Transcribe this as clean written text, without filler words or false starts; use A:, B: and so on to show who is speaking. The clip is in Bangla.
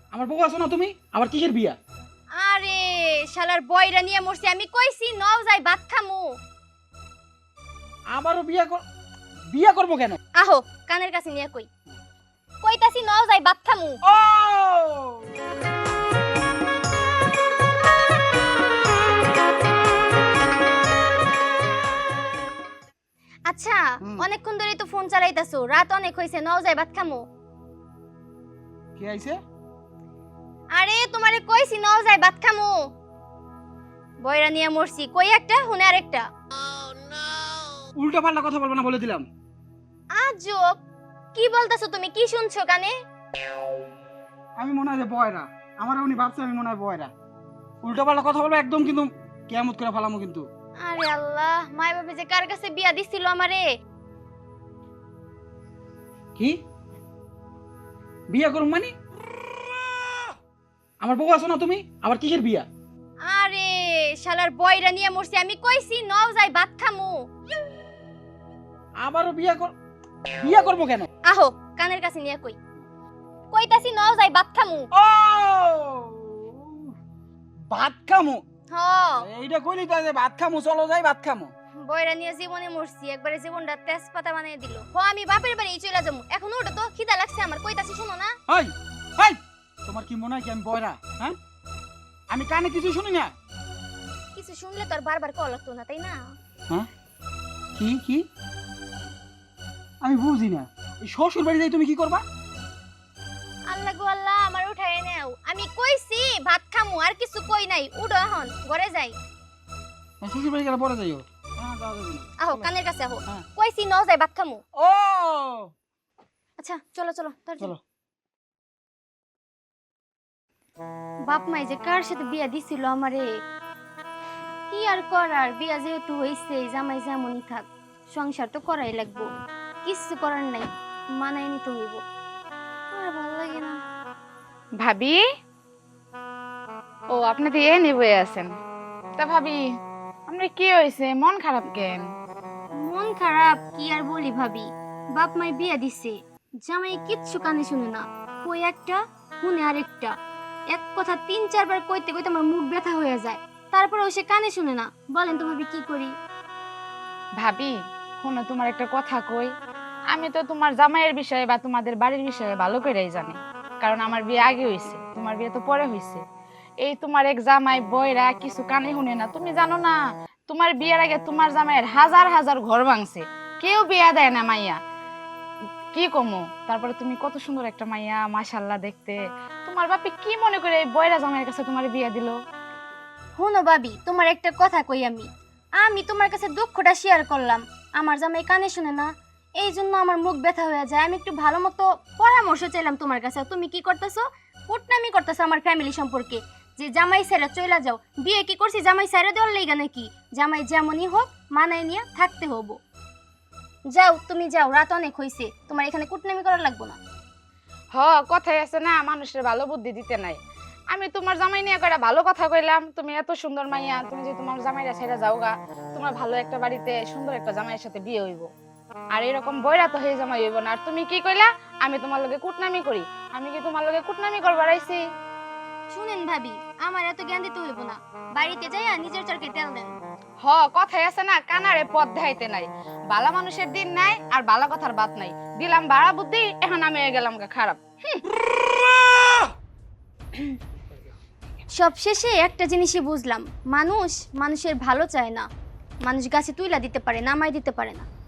A: আমার বউ আছো না তুমি, আবার কিসের বিয়া?
B: আরে শালার বয়রা নিয়ে মরছি, আমি কইছি নও যাই ভাত খামু।
A: আবারও বিয়া করবো কেন?
B: আহো কানের কাছে নিয়ে কইতাছি নও যাই ভাত খামু।
A: ও
B: আচ্ছা অনেকক্ষণ ধরেই তো ফোন চালাইতাছো, রাত অনেক হইছে, নও যাই ভাত খামু।
A: কি আইছে?
B: আরে তোমারে কইছি নও যাই ভাত খামু। বয়রা নিয়ে মরছি, কই একটা হুনে আরেকটা।
A: উল্টা পাল্টা কথা বলবো না বলে দিলাম।
B: আজব, কি বলতাছো তুমি? কি শুনছো কানে?
A: আমি মনে হয় যে বয়রা, আমার উনি ভাবছে আমি মনে হয় বয়রা। উল্টা পাল্টা কথা বলবো একদম, কিন্তু কিয়ামত করে ফেলামো কিন্তু।
B: আরে আল্লাহ, মাই বাবা যে কার কাছে বিয়া দিছিল আমারে।
A: কি বিয়া করুম মানে? আমার বউ আছো না তুমি, আবার কিসের বিয়া?
B: আরে শালার বয়রা নিয়ে মরছি, আমি কইছি নও যাই ভাত খামু।
A: আবারও বিয়া করবো কেন?
B: আহো কানের কাছে নিয়ে কইতাছি নও যাই ভাত খামু।
A: ও ভাত খামু?
B: হ
A: এইটা কইলি তো যে ভাত খামু, চলো যাই ভাত খামু।
B: বয়রা নিয়ে জীবনে মরছি, একবারে জীবনটা তেজপাতা বানিয়ে দিল। আমি বাপের বাড়ি চলে যাবো এখন, ওটা তো খিদা লাগছে আমার, কইতাছি শোনো না।
A: হাই হাই, তোমার কি মনে হয় কি আমি বয়রা? হ্যাঁ, আমি কানে কিছু শুনি না।
B: কিছু শুনলে তো আর বারবার কল লাগতো না, তাই না?
A: হ্যাঁ, কি কি আমি বুঝি না। এই শ্বশুর বাড়ি যাই তুমি কি করবা?
B: আল্লাহ গো আল্লাহ, আমার উঠায় নেও। আমি কইছি ভাত খামু, আর কিছু কই নাই। উঠো এখন, ঘরে যাই।
A: শ্বশুর বাড়ি গেলে পরে যাইও। হ্যাঁ, যাওয়া যাবে না।
B: আহো কানের কাছে আহো।
A: হ্যাঁ।
B: কইছি নও যাই ভাত খামু।
A: ও
B: আচ্ছা চলো চলো
A: চলো।
B: বাপ মাই যে কার সাথে বিয়া দিছিল আমারে, কি আর করার, বিয়া যেহেতু হইছে, জামাই যেমনই থাক, সংসার তো করাই লাগবো, কিছু করার নাই, মানাই নিতে হইব। আর ভালো লাগে না।
C: ভাবি, ও আপনি তো এ নিয়ে বয়ে আছেন। তা ভাবি, আমরা কি হয়েছে, মন খারাপ কেন?
B: মন খারাপ কি আর বলি ভাবি, বাপ মাই বিয়া দিছে, জামাই কিচ্ছু কানে শুনে না, কই একটা শুনে আরেকটা, এক কথা ৩-৪ বার কইতে কইতে আমার মুখ ব্যথা হয়ে যায়, তারপরেও সে কানে শুনে না। বলেন তো ভাবি কি করি?
C: ভাবি শোনো, তোমার একটা কথা কই, আমি তো তোমার জামাইয়ের বিষয়ে বা তোমাদের বাড়ির বিষয়ে ভালো করেই জানি, কারণ আমার বিয়ে আগে হয়েছে, তোমার বিয়ে তো পরে হয়েছে। এই তোমার এক জামাই বয়রা কিছু কানে শুনে না, তুমি জানো না তোমার বিয়ের আগে তোমার জামাইয়ের হাজার হাজার ঘর ভাঙছে, কেউ বিয়া দেয় না মাইয়া, কি কমো। তারপরে তুমি কত সুন্দর একটা মাইয়া, মাশাআল্লাহ দেখতে, তোমার বাপি কি মনে করে এই বয়রা জামাইয়ের কাছে তোমার বিয়া দিল?
B: শোনো ভাবি, তোমার একটা কথা কই, আমি আমি তোমার কাছে দুঃখটা শেয়ার করলাম, আমার জামাই কানে শুনে না, এই জন্য আমার মুখ ব্যথা হয়ে যায়। আমি একটু ভালো মতো পরামর্শ চাইলাম তোমার কাছে, তুমি কি করতেছো? কুটনামি করতেছো আমার ফ্যামিলি সম্পর্কে, যে জামাই ছেড়ে চলে যাও। বিয়ে কি করছি জামাই ছেড়ে দেওয়ার লাইগা নাকি? জামাই যেমনই হোক মানায় নিয়ে থাকতে হবো। যাও তুমি যাও, রাত অনেক হইছে, তোমার এখানে কুটনামি করা লাগবো না।
C: হ, কথাই আছে না, মানুষের ভালো বুদ্ধি দিতে নাই। আমি তোমার জামাই নিয়ে কয়টা ভালো কথা কইলাম, তুমি এত সুন্দর মাইয়া, তুমি যে তোমার জামাইরা ছেড়ে যাওগা, তোমার ভালো একটা বাড়িতে সুন্দর একটা জামাইয়ের সাথে বিয়ে হইব, আর এরকম বয়রা তো হয়ে জামাই হইব না। আর তুমি কি কইলা আমি তোমার লগে কুটনামি করি? আমি কি তোমার লগে কুটনামি করবার আইছি?
B: শুনেন ভাবি, আমার এত জ্ঞান দিতে হইব না, বাড়িতে যাইয়া নিজের চরকে তেল দেন।
C: হ, কথাই আছে না, কানারে পথ দেখাইতে নাই। বালা মানুষের দিন নাই আর বালা কথার বাত নাই, দিলাম বাড়া বুদ্ধি, এখন আমি হয়ে গেলাম খারাপ।
B: সব শেষে একটা জিনিসই বুঝলাম, মানুষ মানুষের ভালো চায় না, মানুষ গাছে তুইলা দিতে পারে, নামাই দিতে পারে না।